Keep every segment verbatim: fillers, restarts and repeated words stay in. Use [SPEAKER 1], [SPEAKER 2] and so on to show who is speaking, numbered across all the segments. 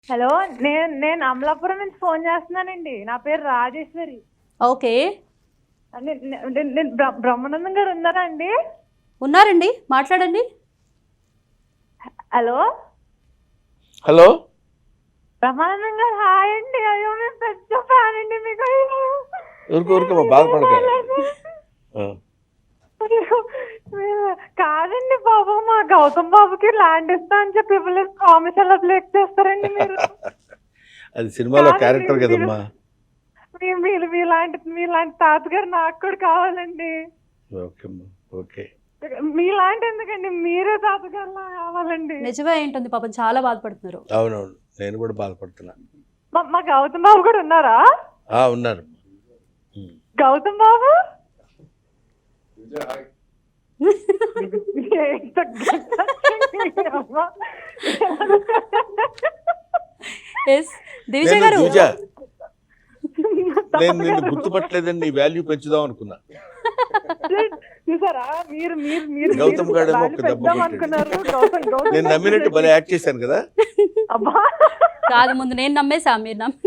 [SPEAKER 1] Hello నేను నేను అమలాపురం నుంచి ఫోన్ చేస్తున్నానండి. నా పేరు రాజేశ్వరి.
[SPEAKER 2] ఓకే.
[SPEAKER 1] నే- నే- నేను నేను బ్ర- బ్రహ్మానందం గారు ఉన్నారా అండి?
[SPEAKER 2] ఉన్నారండి, మాట్లాడండి.
[SPEAKER 1] హలో
[SPEAKER 3] హలో
[SPEAKER 1] బ్రహ్మానందం గారు, హాయ్ అండి. అయ్యో మేము పెద్ద ఫ్యాన్ అండి మీకు. అయ్యో.
[SPEAKER 3] ఊరుకో ఊరుకో బాధపడక ఆ,
[SPEAKER 1] అయ్యో, మీరు- కాదండి బాబు, మా గౌతమ్ బాబుకి ల్యాండ్ ఇస్తా అని చెప్పి ఇవ్వలేదు. ప్రామిస్ ఎలా బ్రేక్ చేస్తారండి మీరు?
[SPEAKER 3] అది సినిమాలో
[SPEAKER 1] కాదండి,
[SPEAKER 3] క్యారెక్టర్
[SPEAKER 1] మీరు-
[SPEAKER 3] కదమ్మా.
[SPEAKER 1] మీ- మీరు మీలాంటి మీలాంటి తాతగారు నాకు కూడా కావాలండి.
[SPEAKER 3] ఓకే అమ్మా, ఓకే.
[SPEAKER 1] మీలాంటి ఎందుకండి, మీరే తాతగారులా కావాలండి.
[SPEAKER 2] నిజమే ఏంటుంది పాపం, చాలా బాధపడుతున్నారు.
[SPEAKER 3] అవునవును, నేను కూడా బాధపడుతున్నా.
[SPEAKER 1] మా- మా గౌతమ్ బాబు కూడా ఉన్నారా?
[SPEAKER 3] ఆ, ఉన్నారు. ఉమ్.
[SPEAKER 1] గౌతమ్ బాబు ఎంత గట్టిగా అమ్మా.
[SPEAKER 2] ఎస్ దివిజ
[SPEAKER 3] నేను
[SPEAKER 2] గారు.
[SPEAKER 3] దివిజ, నేను నిన్ను గుర్తుపట్టలేదని నీ వాల్యూ పెంచుదాం అనుకున్నా.
[SPEAKER 1] చూసారా, మీరు మీరు మీరు
[SPEAKER 3] గౌతమ్
[SPEAKER 1] మీరు
[SPEAKER 3] గాడేమో
[SPEAKER 1] వాళ్ళు
[SPEAKER 3] ఒక దెబ్బ
[SPEAKER 1] పెద్దాం
[SPEAKER 3] కొట్టాడు.
[SPEAKER 1] అనుకున్నారు. గౌతమ్ గౌతమ్
[SPEAKER 3] నేను నమ్మినట్టు భలే యాక్ట్ చేశాను కదా.
[SPEAKER 1] అబ్బా,
[SPEAKER 2] కాదు, ముందు నేను నమ్మేసా, మీరు నమ్మి.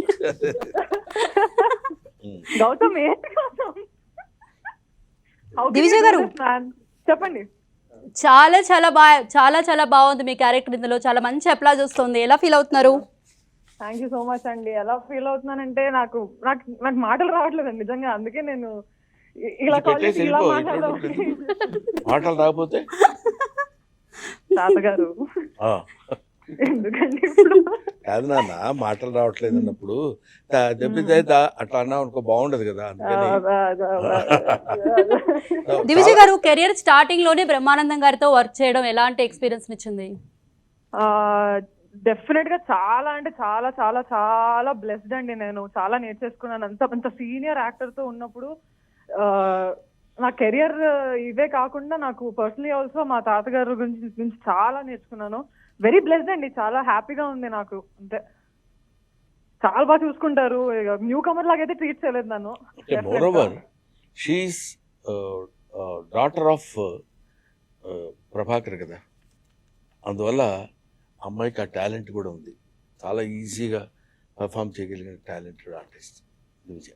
[SPEAKER 3] ఉమ్.
[SPEAKER 1] గౌతమ్ ఏంటి Gautam? How can
[SPEAKER 2] దివిజ
[SPEAKER 1] you do
[SPEAKER 2] గారు.
[SPEAKER 1] this, man? చెప్పండి.
[SPEAKER 2] చాలా చాలా బాగా చాలా చాలా బాగుంది మీ క్యారెక్టర్, ఇందులో చాలా మంచి అప్లాజ్ వస్తుంది. ఎలా ఫీల్ అవుతున్నారు?
[SPEAKER 1] థ్యాంక్ యూ సో మచ్ అండి. ఎలా ఫీల్ అవుతున్నానంటే నాకు నాకు నాకు మాటలు రావట్లేదండి నిజంగా. అందుకే నేను ఇ- ఇలా
[SPEAKER 3] ఇది
[SPEAKER 1] కాల్
[SPEAKER 3] పెట్టేసి
[SPEAKER 1] చేసి ఇలా
[SPEAKER 3] వెళ్ళిపో,
[SPEAKER 1] మాట్లాడదాం.
[SPEAKER 3] ఇటువంటి మాటలు రాకపోతే
[SPEAKER 1] తాతగారు
[SPEAKER 3] ఆ,
[SPEAKER 1] ఎందుకండి ఇప్పుడు?
[SPEAKER 3] కాదు నాన్న, మాటలు రావట్లేదు అన్నప్పుడు తా- దెబ్బతే దా- అట్లా అన్నావు అనుకో, బాగుండదు కదా. అందుకని
[SPEAKER 2] దివిజ గారు, కెరియర్ స్టార్టింగ్ లోనే బ్రహ్మానందం గారితో వర్క్ చేయడం ఎలాంటి ఎక్స్పీరియన్స్ ఇచ్చింది?
[SPEAKER 1] డెఫినెట్ గా చాలా అంటే చాలా చాలా చాలా బ్లెస్డ్ అండి. నేను చాలా నేర్చేసుకున్నాను. అంత అంత సీనియర్ యాక్టర్ తో ఉన్నప్పుడు ఆ, నా కెరియర్ ఇవే కాకుండా నాకు పర్సనలీ ఆల్సో మా తాతగారు గురించి గురించి చాలా నేర్చుకున్నాను. వెరీ బ్లెస్డ్ అండి, చాలా హ్యాపీగా ఉంది నాకు. అంతే, చాలా బాగా చూసుకుంటారు. న్యూ కమర్ లాగైతే ట్రీట్ చేయలేదు నన్ను.
[SPEAKER 3] Moreover she's daughter of Prabhakar కదా, అందువల్ల అమ్మాయికి ఆ టాలెంట్ కూడా ఉంది. చాలా ఈజీగా పర్ఫామ్ చేయగలిగిన టాలెంటెడ్ ఆర్టిస్ట్ దివిజ.